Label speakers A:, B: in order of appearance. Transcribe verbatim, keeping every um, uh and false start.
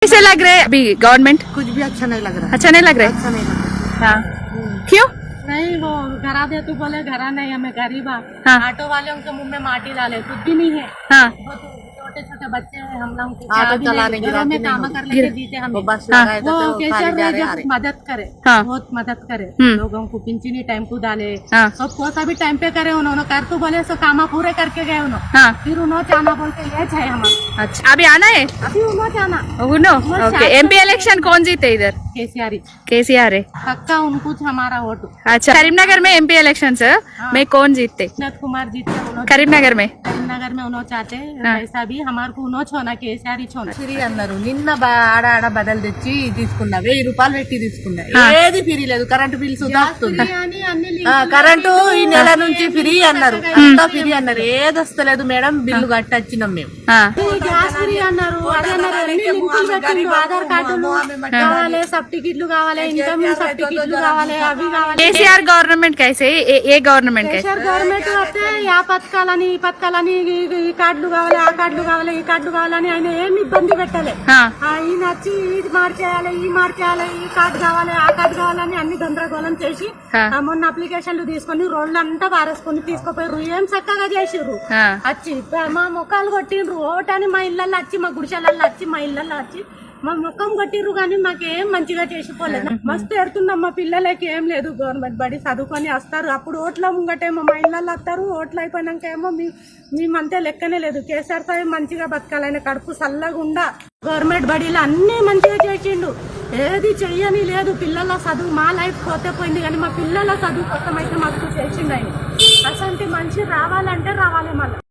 A: कैसे लग रहे हैं अभी गवर्नमेंट?
B: कुछ भी अच्छा नहीं लग रहा।
A: अच्छा नहीं लग रहे?
B: अच्छा नहीं लग रहा।
A: हाँ, क्यों?
C: नहीं वो घरा दे तू बोले घरा नहीं हमें गरीब है।
A: हाँ।
C: ऑटो वाले उनके मुंह में माटी डाले कुछ भी नहीं है।
A: हाँ
C: वो तो छोटे छोटे बच्चे हैं हम लोग को
B: ऑटो
C: क्या भी
B: चलाने
C: नहीं,
B: की
C: घरों
B: बात
C: में
B: ही
C: काम
B: नहीं
C: कर लेके जीते
B: वो
C: हमें।
B: बस लगाए
C: वो
B: तो
C: केसर
B: खाली जा
C: में
B: रहे
C: जो
B: आ रहे।
C: मदद करे
A: हाँ।
C: बहुत मदद करे
A: हम्म।
C: लोगों को पिंचनी टाइम को डाले
A: हाँ।
C: सब को सभी टाइम पे करे उन्होंने कर तो बोले सो कामा पूरे करके गए उन्होंने।
A: हाँ
C: फिर उन्होंने चाना बोल के ये है हमारा
A: अच्छा अभी आना है?
C: अभी उन्होंने चाना
A: उनो ओके। एमपी इलेक्शन कौन जीते इधर?
C: केसीआर
A: केसीआर है।
C: पक्का उनको हमारा वोट।
A: अच्छा करीमनगर में एमपी इलेक्शन में कौन जीतते?
C: विनोद कुमार जीते उन्होंने
A: करीमनगर में
C: కరీంనగర్ में उन्होंने चाहते
A: हाँ।
C: पैसा भी हमारे को उन्होंने छोना केसीआर ही छोना
B: ఫ్రీ అన్నారు నిన్న బా- ఆడ ఆడ బదలు తెచ్చి తీసుకున్నా వెయ్యి రూపాయలు పెట్టి తీసుకున్నా
A: ఆ.
B: ఏది ఫ్రీ లేదు కరెంటు బిల్ సుధా వస్తుంది
C: అని అన్ని
B: ఆ, కరెంటు ఈ నెల నుంచి ఫ్రీ అన్నారు అంతా ఫ్రీ అన్నారు ఏది వస్తలేదు మేడం బిల్లు కట్టి వచ్చినాం మేము
A: हाँ
C: గ్యాస్ ఫ్రీ అన్నారు అదే అన్నారు అన్ని లింకులు పెట్టిండు ఆధార్ కార్డులు కావాలి సబ్ టికెట్లు కావాలి ఇన్కమ్ సబ్ టికెట్లు కావాలి అవి కావాలి
A: కేసీఆర్ గవర్నమెంట్ कैसे है? ఏ- ఏ గవర్నమెంట్ कैसे?
C: కేసీఆర్ గవర్నమెంట్ వస్తే ఆ పథకాలని ఈ పథకాలని ఈ- ఈ కార్డులు కావాలి ఆ కార్డులు కావాలి ఈ కార్డులు కావాలని ఆయన ఏమి ఇబ్బంది పెట్టలే
A: हाँ
C: ఆ, ఈయన వచ్చి ఇది మార్చేయాలి ఈ మార్చేయాలి ఈ కార్డు కావాలి ఆ కార్డు కావాలని అన్ని గందరగోళం చేసి
A: हाँ
C: ఆ, మొన్న అప్లికేషన్లు తీసుకొని రోడ్లంతా పారేసుకొని తీసుకుపోయారు ఏం చక్కగా చేసిర్రు
A: हाँ
C: వచ్చి మా ముఖాలు కొట్టిండ్రు ఓటని మా ఇళ్ళల్లో వచ్చి మా గుడిసెలలో వచ్చి మా ఇళ్ళల్లో వచ్చి మా ముఖం కొట్టిర్రు కానీ మాకేం మంచిగా చేసిపోలేదు మస్తు ఎడుతున్నాం మా పిల్లలకి ఏం లేదు గవర్నమెంట్ బడి చదువుకొని వస్తారు అప్పుడు ఓట్ల ముంగటేమో మా ఇళ్ళల్లో వస్తారు ఓట్లు అయిపోయినాక ఏమో మీ మేమంతే లెక్కనే లేదు కేసీఆర్ సాయి మంచిగా బతకాలని కడుపు చల్లగుండా గవర్నమెంట్ బడిలో అన్ని మంచిగా చేసిండు ఏది చెయ్యని లేదు పిల్లల చదువు మా లైఫ్ పోతే పోయింది కానీ మా పిల్లల చదువు కోసం అయితే మాకు చేసిండు ఆయన అసలు మంచి రావాలంటే రావాలి మళ్ళీ